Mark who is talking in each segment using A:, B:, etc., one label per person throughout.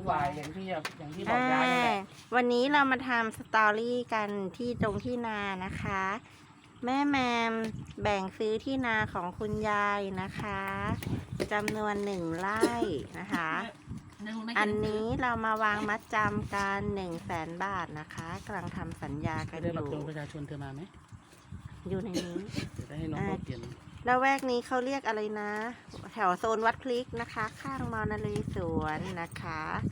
A: วายอย่างที่บอกยายนั่นแหละ
B: วันนี้เรามาทำสตอรี่กันที่ตรงที่นานะคะ แม่แมมแบ่งซื้อที่นาของคุณยายนะคะจำนวน1 ไร่นะคะ อันนี้เรามาวางมัดจำกัน100,000 บาทนะคะกำลังทำสัญญากัน
A: ได้
B: อ
A: บัตร
B: ยู่
A: ประชาชนเธอมาไหม
B: อยู่ในนี้
A: เดี๋ยวได้ให้น้องเขาเขียน
B: แล้วแวกนี้เขาเรียกอะไรนะ แถวโซนวัดพลิกนะคะ ข้างมอนเลสวนนะคะ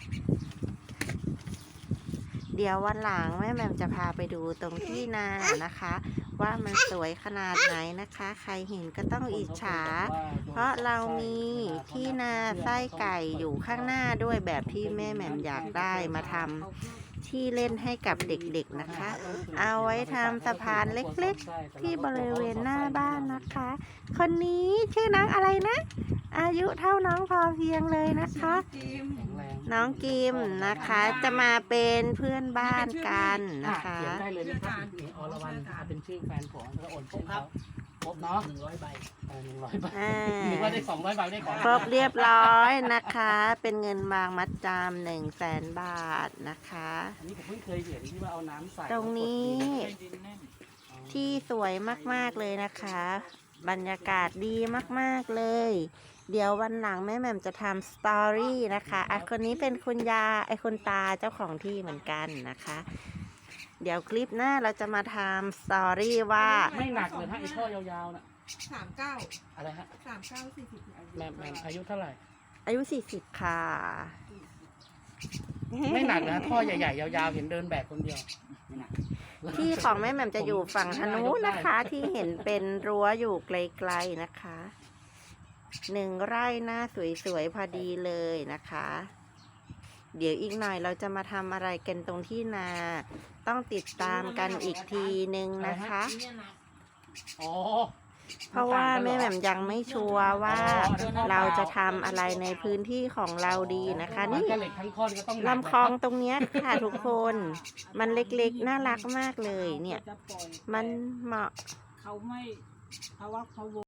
B: เดี๋ยววันหลังแม่แหม่มจะพาไปดูตรงที่นานะคะ ว่ามันสวยขนาดไหนนะคะ ใครเห็นก็ต้องอิจฉา เพราะเรามีที่นาไส้ไก่อยู่ข้างหน้าด้วยแบบที่แม่แหม่มอยากได้มาทำที่เล่นให้กับเด็กๆนะคะ เอาไว้ทำสะพานเล็กๆที่บริเวณหน้าบ้านนะคะ คนนี้ชื่อน้องอะไรนะ อายุเท่าน้องพอเพียงเลยนะคะ
A: แข็งแรง
B: น้องกิมนะคะจะมาเป็นเพื่อนบ้านกันนะคะ
A: เขียนได้เลยนะครับนี่อรวรรณเป็นชื่อแฟนผมแล้วโอนชื่อเขาครบเนาะ100 ใบ100 ใบนึกว่าได้200 ใบได้ของ
B: ครบเรียบร้อยนะคะ เป็นเงินวางมัดจำ100,000 บาทนะคะ
A: อันนี้ผมเพิ่งเคยเห็นที่ว่าเอาน้ำใส่
B: ตรงนี้ที่สวยมากๆเลยนะคะ บรรยากาศดีมากๆเลย เดี๋ยววันหลังแม่แหม่มจะทำสตอรี่นะคะคนนี้เป็นคุณยาคุณตาเจ้าของที่เหมือนกันนะคะ เดี๋ยวคลิปหน้าเราจะมาทำสตอรี่ว่า
A: ไม่หนักเลยฮะไอ้ท่อยาวๆน่ะ
C: 39
A: อะไรฮะ
C: 39 40
A: แม่อายุเท่าไหร่
B: อายุ40ค่ะ
A: ไม่หนักนะท่อใหญ่ๆยาวๆเห็นเดินแบกคนเดียว
B: ที่ของแม่แหม่มจะอยู่ฝั่งทางนู้นนะคะ ที่เห็นเป็นรั้วอยู่ไกลๆนะคะ1 ไร่หน้าสวยๆพอดีเลยนะคะ เดี๋ยวอีกหน่อยเราจะมาทำอะไรกันตรงที่นา ต้องติดตามกันอีกทีนึงนะคะ
A: อ๋อ
B: เพราะว่าแม่แหม่มยังไม่ชัวร์ว่าเราจะทำอะไรในพื้นที่ของเราดีนะคะ นี่
A: เหล็กทั้งท่อนก็ต้อง
B: ลำคลองตรงเนี้ยค่ะทุกคน มันเล็กๆน่ารักมากเลยเนี่ย มันเหมาะ
C: เขาไม่เพราะว่าเขา